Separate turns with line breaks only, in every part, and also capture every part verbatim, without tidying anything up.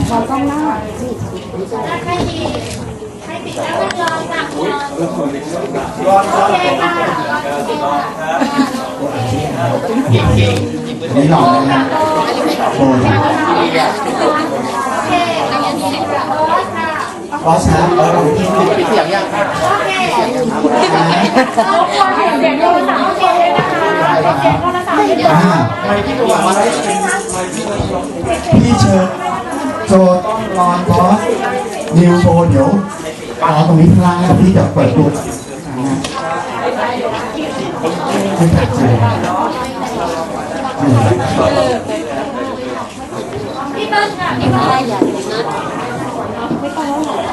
มองกล้องหน้า
ให้ติดให้ติดแล้วก็รอจับรอโอเคค่ะ
นี่หล่อเลยนะโอ้ย
โอเคแล้วยังมีค่ะโอ้ค่ะ
บอสครับเออดูที่ปิดเสียงยังครับ
โอเคเราควรเห็นเสียงโทรศัพท์โอเคเลยนะคะเสียงโทรศัพท์เยอะ
อ่าพี่เชิญโจต้องรอนบอสนิวโชว์เดี๋ยวรอตรงนี้ข้างล่างแล้วพี่จะเปิดดูไม่ถัดใจ
พี่เบิ้ลค่ะพี่เบิ้ลใหญ่นะไม่ต้องแล้วหรอ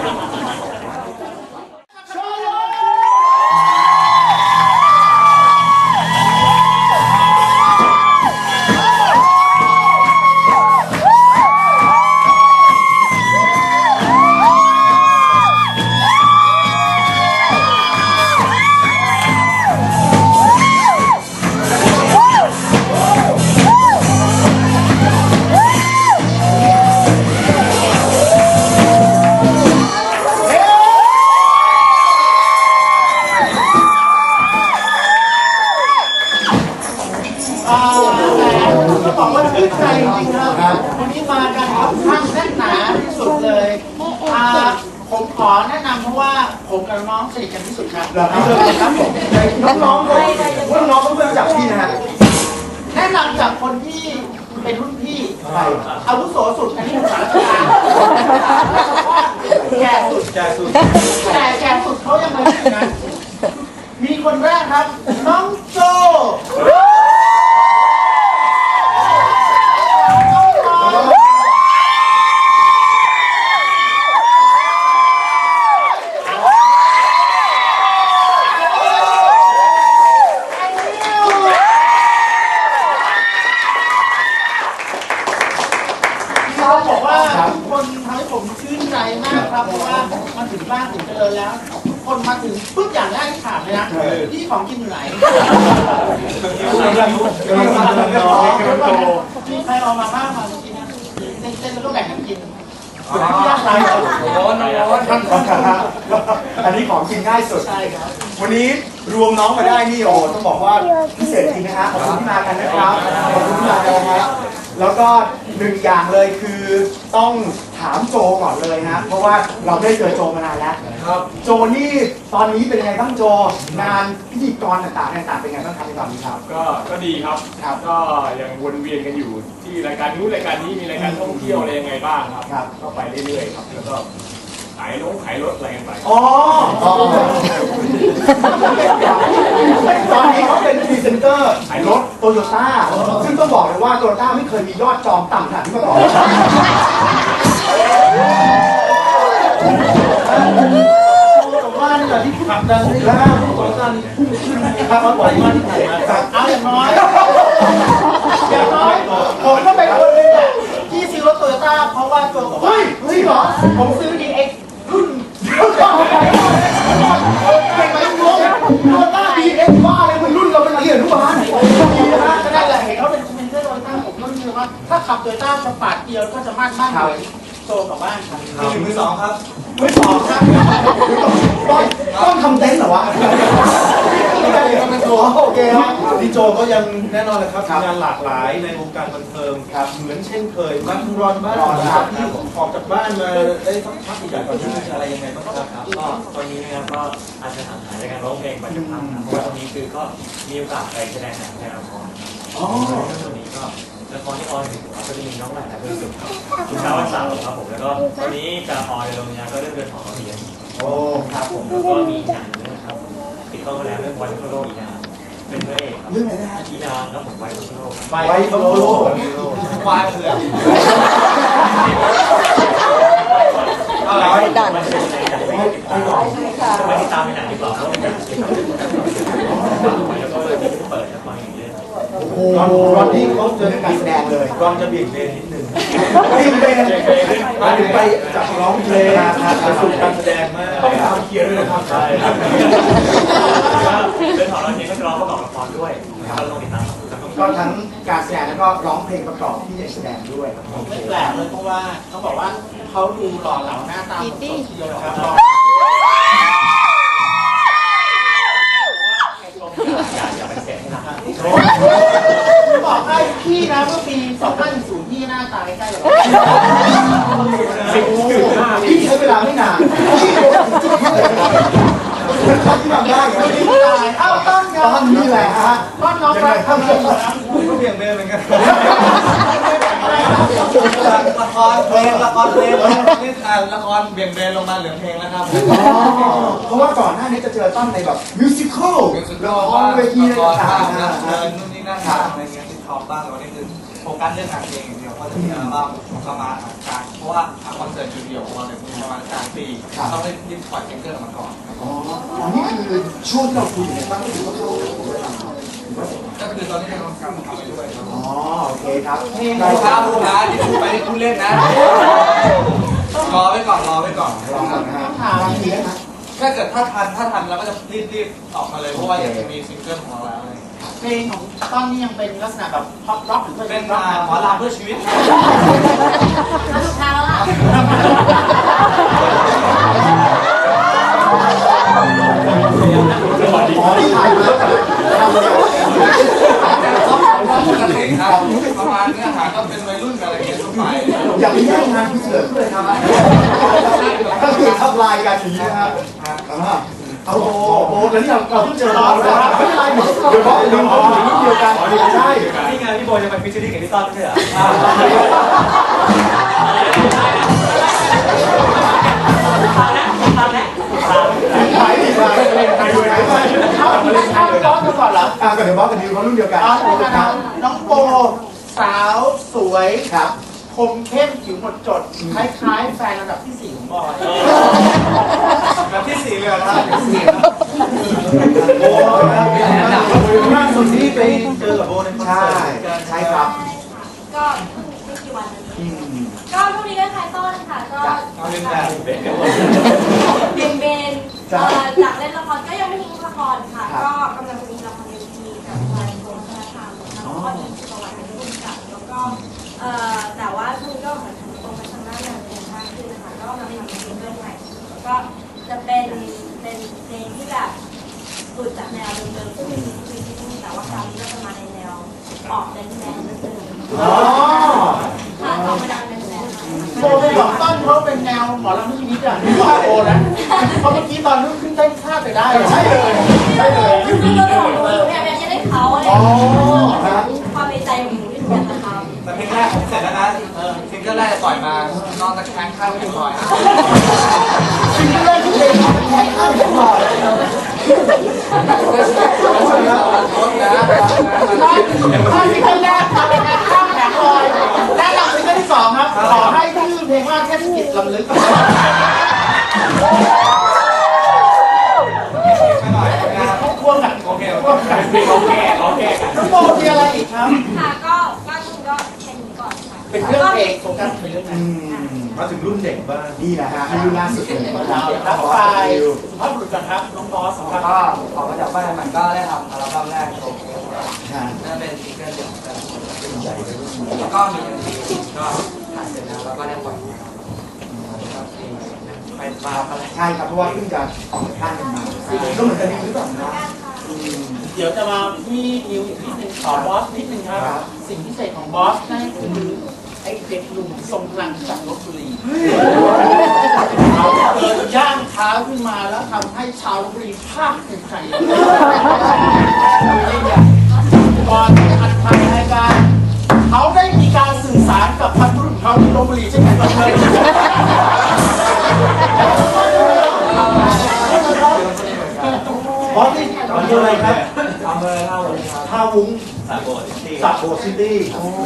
จะบอกว่าชื่นใจจริงๆครับวันนี้มากันค่อนข้างแน่นหนาที่สุดเลยอ่าผมขอแนะนำเพราะว่าผมกับน้องสนิทกันที่สุดครับครับผมน้องๆเลยว่าน้องเพื่อนจากพี่นะฮะแนะนำจากคนที่เป็นรุ่นพี่อาวุโสสุดอันนี้เป็นสารคามแก่สุดแก่สุดแต่แก่สุดเขายังไงนะมีคนแรกครับน้องโจเขาบอกว่าทุกคนทำให้ผมชื่นใจมากครับเพราะว่ามาถึงบ้านถึงเจริญแล้วทุกคนมาถึงปุ๊บอย่างแรกที่ถามเลยนะที่ของกินอยู่ไหนมีใครเอามาบ้างมากินนะเต้นๆแล้วก็แบ่งกันกินยากไรร้อนร้อนท่านร้อนครับอันนี้ของกินง่ายสุดใช่ครับวันนี้รวมน้องมาได้นี่โอ้ต้องบอกว่าพิเศษจริงนะฮะขอบคุณที่มากันนะครับขอบคุณที่มากันนะครับแล้วก็หนึ่งอย่างเลยคือต้องถามโจก่อนเลยนะเพราะว่าเราได้เจอโจมานานแล้วครับโจนี่ตอนนี้เป็นยังไงบ้างโจงานพิธีกรต่างๆต่างๆเป็นยังไงบ้างครับในตอนนี้ครับ
ก็ก็ดีครับครับก็ยังวนเวียนกันอยู่ที่รายการนู้นรายการนี้มีรายการท่องเที่ยวอะไรยังไงบ้างครับครับก็ไปเรื่อยๆครับแล้วก็ขายรถขายรถอะไรกันไป
อ๋อตอนนี้เขาเป็นพรีเซนเตอร์ขายรถโตโยต้าซึ่งต้องบอกเลยว่าโตโยต้าไม่เคยมียอดจองต่ำขนาดนี้มาก่อนผมว่านี่แหละที่ขับดังแล้วโตโยต้าพุ่งขึ้นนะครับมาบ่อยมากที่ไหนมาเอาอย่างน้อยอย่างน้อยผมก็เป็นคนหนึ่งที่ซื้อรถโตโยต้าเพราะว่าโจบอกว่าเฮ้ยเฮ้ยเหรอผมซื้อ ดี เอ็กซ์ รุ่นเป็นไปงงโตโยต้า ดี เอ็กซ์ ว่าอะไรมันรุ่นเราเป็นอะไรอนุบาลดีนะฮะก็ได้แหละเห็นเขาเป็นคอมเมนเตอร์โตโยต้าผมก็รู้สึกว่าถ้าขับโตโยต้าจะปาดเกียร์ก็จะมั่นมั่นเลยโตกับบ้านครับมือสองครับมือสองครับต้องต้องทำเต็นท์เหรอวะโอเคครับพี่โจก็ยังแน่นอนเลยครับงานหลากหลายในวงการบันเทิงครับเหมือนเช่นเคยมาทุรอนบ้านครับที่ออกจากบ้านมาได้สักพักใหญ่ตอนนี้อะไรยังไงบ้างครับ
ก็ตอนนี้นะครับก็อาจจะห่างหายจากการร้องเพลงไปสักพักนะเพราะว่าตอนนี้คือก็มีโอกาสไปแสดงหนังในละครอ๋อตอนนี้ก็ละครที่ออนอยู่ก็จะมีน้องใหม่และเพื่อนสุดครับคุณชาววันเสาร์ครับผมแล้วก็ตอนนี้จะออนในโรงงานก็เรื่องเดือนของเราเรียนโอ้ครับผมแล้วก็มีหนังนะครับติดต่อมาแล้วเรื่องวันโลกอีนาเป็นพระเอกครับเรื่องอะไรนะอีนาครับผมไวโลก
ไวโลกควายเผือก
อะไรดันมันเป็นในหนังไม่ติดตามไม่ติดตามในหนังดีกว่าเพราะมันแล้วก็เปิดละครอย่างเงี้ย
โอ้รอนที่เขาเจอการแสดงเลยรอนจะเบี่ยงเบนนิดนึงเบี่ยงเบนมาถึงไปจากร้องเพลงไปสู่การแสดงมากต้องทำเคลียร์ด้วยนะครับใช่
เรื่องของเราเนี่ยก็จะร้องประกอบละครด้วยเราต้องติดตามแล้วก็มี
ก็ทั้งการแสดงแล้วก็ร้องเพลงประกอบที่จะแสดงด้วยครับ
ไม่แปลกเลยเพราะว่าเขาบอกว่าเขาดูหล่อเหลาหน้าตาสดๆทีเดียวนะครับ
อย่าไปเสียให้หนัก
บอกให้พี่นะเมื่อปีสองพันศูนย์พี่หน้าตาใกล้ๆแบบ
สิบจุดห้า
พี่ใช้เวลาไม่นานพี่โดนจุดที่เลยที่ทำได้ไง
เอ้าต้นค
ต
รับ
อนนี้แหละฮะ
ต้นน้องครับทำอะไรอยู่ครับ
ก็เบี่ยงเบนเหมือนกัน
ละครเพลงละครเพลงนี่อ่าละครเบี่ยงเบนลงมาเหลือเพลงแล้วครับ
เพราะว่าก่อนหน้านี้จะเจอต้นในแบบมิวสิควล
มิวสิค
ละ
อล
ค
บ้าร ง
เวที
ละ
อะ
ค
ไร
ร
ต่า
บ้าง
ง
นะเดินนู่นนี่นั่นบ้างอะไรเงี้ยที่ท็อปบ้างแต่วันนี้คือโฟกัสเรื่องงานเพลงอย่างเดียวเพราะจะมีอัลบั้มเข้ามาทางเพราะว่าคอนเสิร์ตเดียวของเราเนี่ยมีประมาณกลางปีต้องได้รีบปล่อยซิงเกิลออกมาก่อน
ๆอ๋ออันนี้คือช่วงที่เราคุยอยู่ในบ้านก็ถือว่าเข้าถึงเวลา
ก็คือตอนนี้กำลังทำทำไปด้วยครับ
อ๋อโอเคครับ
ได้ครับผู้ค้าที่พูดไปที่พูดเล่นนะรอไว้ก่อนรอไว้ก่อน
ลองก่อนนะฮะบางทีได้ไหม
ถ้าเกิดถ้าทันถ้าทันเราก็จะรีบรีบออกมาเลยเพราะว่าอยากจะมีซิงเกิลของเราแล้ว
เพลงของต้นนี่ยังเป็นลักษณะแบบพ็อปร็อกหรือว่า
เป็น
ร็อก
หมอลำเพื่อชีวิต
มาถูกทางแล้วล่ะ
อ๋อที่ถ่ายมาทำแล้ว
ปกติครับประมาณเนื้อหาก็เป็นวัยรุ่นกันอะไรอย่างเงี้ยทั่วไป
อย่าไปแย่งงานพี่เสือเลยครับก็คือทับลายกันอย่างนี้นะฮะเอาโอ้โหแล้วนี่เราเราเพิ่งเจอเราแล้วไม่เป็นไรเดี๋ยวบอกเดี๋ยวบอกอยู่รุ่นเดียวกันใช่
นี่ไงพี่โบจะไปฟิชเชอรี่กับพี่ต้นไม่ใช่เหรอ
ขายดีเลยขายด้วยขายด้วย
เอาเอาร้องกันก่อนเหรอ
อ่าก็เดี๋ยวบอกกันดิวเขารุ่นเดียวกัน
เอาละครับน้องโบสาวสวย
ครับ
คมเข้มผิวหมดจด คล้ายๆแฟนระดับที่สี่ของบอย
แบบที่สี่เลยครับ
โอ้ล่าสุดที่ไป
เจอกับโบในคอน
ใช่
เสิร์ต
ใช่ครับ
ก็ไม่กี่วันนี้
อืม
ก็พรุ่งนี้ก็คลายต้นค่ะ ก็
เอาเป็นแบบ
เบนเบนเอ่อจากเล่นละครก็ยังไม่ทิ้งละครค่ะ ก็กำลังจะมีละครเวทีกับทางกรมวัฒนธรรมนะคะแล้วก็มีประวัติเป็นผู้กำกับแล้วก็เอ่อแต่ว่าช่วงนี้ก็เหมือนตรงไปทางด้านงานเพลงมากขึ้นนะคะก็กำลังทำซิงเกิลใหม่แล้วก็จะเป็นเป็นเพลงที่แบบหลุดจากแนวเดิมๆซึ่งมีมีที่นี่แต่ว่าคราวนี้ก็จะมาในแนวออกแดนแดนนิดนึง
อ๋อ
ค่ะออกมาดังแดนแดน
โบไปบอกต้นเขาเป็นแนวหมอลำลูกนิดอ่ะนี่บอกโบนะเพราะเมื่อกี้ตอนนู้นขึ้นเต้นข้ามไปได้
ใช่เลยใช่เลย
คือคือเราของหนูเนี่ยอยากจะได้เขาอะไรอย่างเงี้ยความในใจของหนูที่หนูอยากจะทำ
แต่เพลงแรกผมเสร็จแล้วนะซิงเกิลแรกจะปล่อยมานอนตะแคงข้างไม่ปล่อย
สิ่งแรกที่เพลงแข่งข้าวผมบอก
รถนะ
ถ้าซิงเกิลแรกทำเป็นการข้ามแผงลอยและหลังซิงเกิลที่สองครับ ขอให้ชื่อเพลงว่าเทศกิจลำลึก
ไม่หน่อยนะ
เขาควงกัน
โอเคโอ
ควง
เค
กัน
เราแก้เราแก้กัน
น้องโบมีอะไรอีกครับ
ค่ะก็ก็คุณก็แค่นี้ก่อนค่ะ
เป็นเรื่องเพลงโฟกัสเป็นเรื่องนั้น
มาถึงรุ่นเด็กบ้าง
นี่แหละฮะอายุล่าสุดเลย
เรารับไปสุภาพบุรุษกันครับ น้องบอสครับ
ก็ออกมาจากบ้านมันก็ได้ทำอัลบั้มแรกโชว์
ฮะ
นั่นเป็นซิงเกิลเดี่ยวของแต่ละคนแล้วก็มีเพลงก็ถ่ายเสร็จแล้วแล้วก็ได้ปล่อยไปมาอะไร
ใช่ครับเพราะว่าเพิ่งจะออกจากบ้านกันมาก็เหมือนกันนี่หรือเปล่านะ
เดี๋ยวจะมาที่นิวอีกนิดนึงขอบอสนิดนึงครับ สิ่งพิเศษของบอสนั่นคือไอ้เด็กหนุ่มทรงพลังจากลบบุรีเขาเดินย่างเท้าขึ้นมาแล้วทำให้ชาวลบบุรีภาคภูมิใจก่อนที่จะอัดทางรายการเขาได้มีการสื่อสารกับพันธุ์รุ่นเขาที่ลบบุรีเช่นกันเลย
บอสนี่อำเภออะไรครับ
อำเภอเท่าเลยครับ
ท่าวุ้ง
สามโบสถ์ที่
สระโบดซิตี้โอ้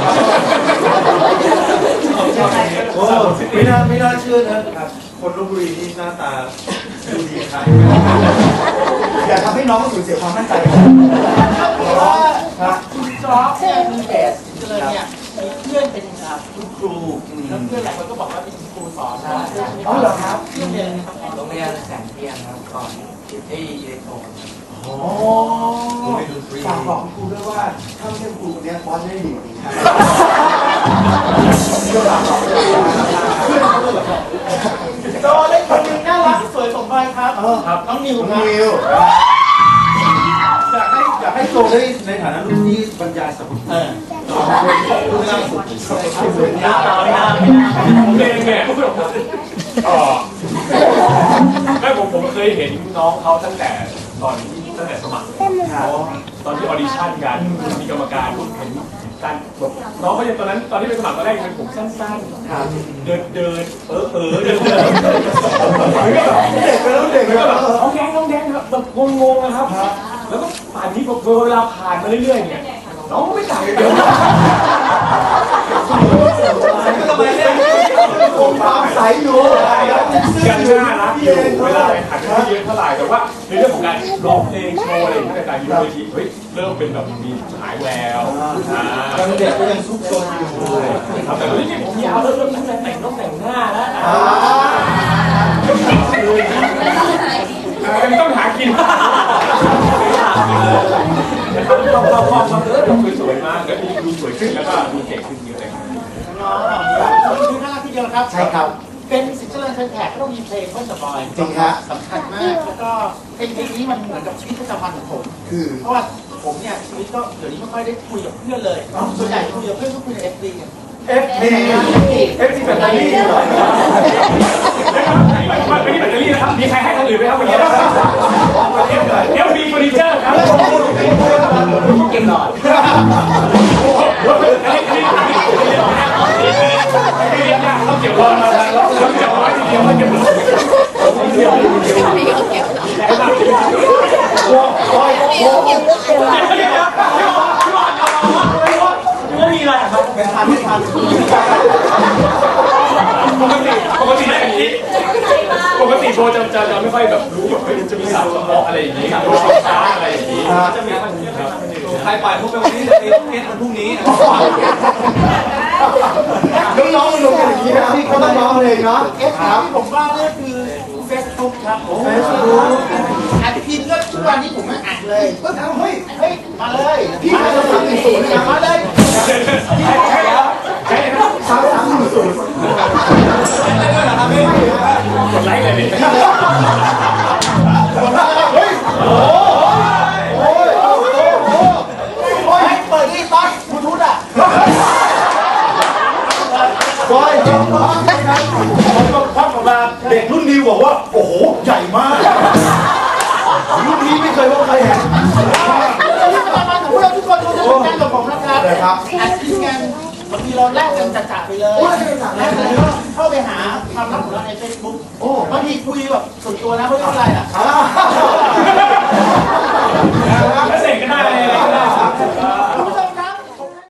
ไม่น่าไม่น่าเชื่อนะครับ คนลพบุรีนี่หน้าตาดูดีครับ
อย่าทำให้น้องสูญเสียความมั่นใจ
เพราะว่าคุณจอร์จเนี่ยมีเบสเลยเนี่ยมีเพื่อนเป็นคุณครูแล้วเพื่อนหลายคนก็บอกว่าเป็นครูสอนนะ
อ๋อเหรอครับ
เพื่อนเรียนนะครับ
โรงเรียนแสงเทียนครับก่อนคิดที่อิเล็กโทรน
โอ้โหดนตรีฝากบอกคุณครูด้วยว่าถ้าไม่ใช่ครูคนนี้บอสไม่ได้ดีกว่านี้ครับ
โจเล็กคนหนึงน่ารักสวยสมวัยครับครับน้องนิว
น้อง
ครับ
นิว
อยากให้อยากให้โจได้ในฐานะรุ่นที่บรรยายสรรพคุณ
เออ
รุ่นล่าสุด
ไม่น่าไม่น่าไม่น่า
ผมเองเนี่ยเออไม่ผมผมเคยเห็นน้องเขาตั้งแต่ตอนที่ตั้งแต่สมัครตอนที่ออดิชั่นกันมีกรรมการเห็นการแบบน้องเขายังตอนนั้นตอนที่ไปสมัครตอนแรกเป็นผมสั้นๆเดินเดินเออเออเดินเดิน
เด็กไปแล้วเด็กไป
แล้ว
แล้
แบ
ว
บน้องแดงน้องแดงครับแบบงงๆนะครับ แล้วก็ป่านนี้พอเวลาผ่านมาเรื่อยๆเนี่ยน้องก็ไม่ต่างกันเยอะ
ทำไมเนี่ย
ผมตามสายอยู่
ยังน่ารักอยู่เวลาไปหันไม่เยอะเท่าไหร่แต่ว่าในเรื่องของการร้องเพลงโชว์อะไรอย่างเงี้ยการยืนเวทีเฮ้ยเริ่มเป็นแบบมีฉายแวว
ยังเด็กก็ยังซุกซนอยู่
ครับแต่ตอนนี้ผมยาวแล้วเริ่มตั้งแต่แต่งต้องแต่งหน้าแล้วต้องหากินนะครับต้องเข้าห้องมาเออดูสวยมากแล้วดูสวยขึ้นแล้วก็ดูเก่งขึ้นเยอะเลย
น้องน้องคือน่ารักทีเดียวครับ
ใช่ครับ
เป็นสิทธิ์เจริญเชิญแขกก็ต้องมีเพลงเพื่อนสปอย
จริงฮะ
สำคัญมากแล้วก็เพลงนี้มันเหมือนกับชีวิตประจำวันของผม
คือ
เพราะว่าผมเนี่ยชีวิตก็เดี๋ยวนี้ไม่ค่อยได้คุยกับเพื่อนเลยส่วนใหญ่คุยกับเพื่อนก็คุยในเอฟซีกัน
เอฟทีเอฟทีแบตเตอรี่เหรอ
ไม่ใช่แบตเตอรี่นะครับมีใครให้คนอื่นไหมครับวันนี้เอฟบีเฟอร์นิเจอร์ครับเก่งหน่อยต้องเก็บรอมาแล้วต้องเก็บไว้ทีเดียวไม่เก็บรอเดี๋ยวเดี๋ยวเดี๋ยวเดี๋ยวไม่มีอะไรครับไม่ทันไม่ทันปกติปกติแบบนี้ปกติโบจะจะจะไม่ค่อยแบบรู้แบบจะมีสาวสมองอะไรอย่างนี้รู้สาวอะไรอย่างนี้จะมีครับ
ใครปล่อยพวกไปวันนี้จะเป็นเทสวันพรุ่งนี้
น้องๆมันลงกันอย่างนี้นะที่เขาต้องร้องเพลงเนาะ
เอฟซีที่ผมว่าเนี่ยคือเฟซบุ๊กครับผม
เฟซบุ๊ก
อัดพิมพ์ก็ทุกวันนี้ผมไม่อัดเลยเฮ้ยเฮ้ยเฮ้ยมาเลย
พี่มาสามหนึ่งศูนย์นะ
มาเลย
สามสามหนึ่งศูนย์
กดไลค์เลยดิ
เฮ้ยโอ้โหโอ้ยโอ้โหโอ้ย
เปิดที่ต๊อดบลูทูธอ่ะ
บอยผมก็พักออกมาเด็กรุ่นนี้บอกว่าโอ้โหใหญ่มากรุ่นนี้ไม่เคยว่าใครเห็น
มามาถึงพวกเราทุกคนทุกคนการกับผมนะครับ
เลยครับ
อัดคลิปกันบางทีเราแลกกันจัดๆไปเลยแลกกันก็เข้าไปหาความลับของเราในเฟซบุ๊กบางทีคุยแบบส่วนตัวนะไม่รู้อะไรอ่ะ
อ่า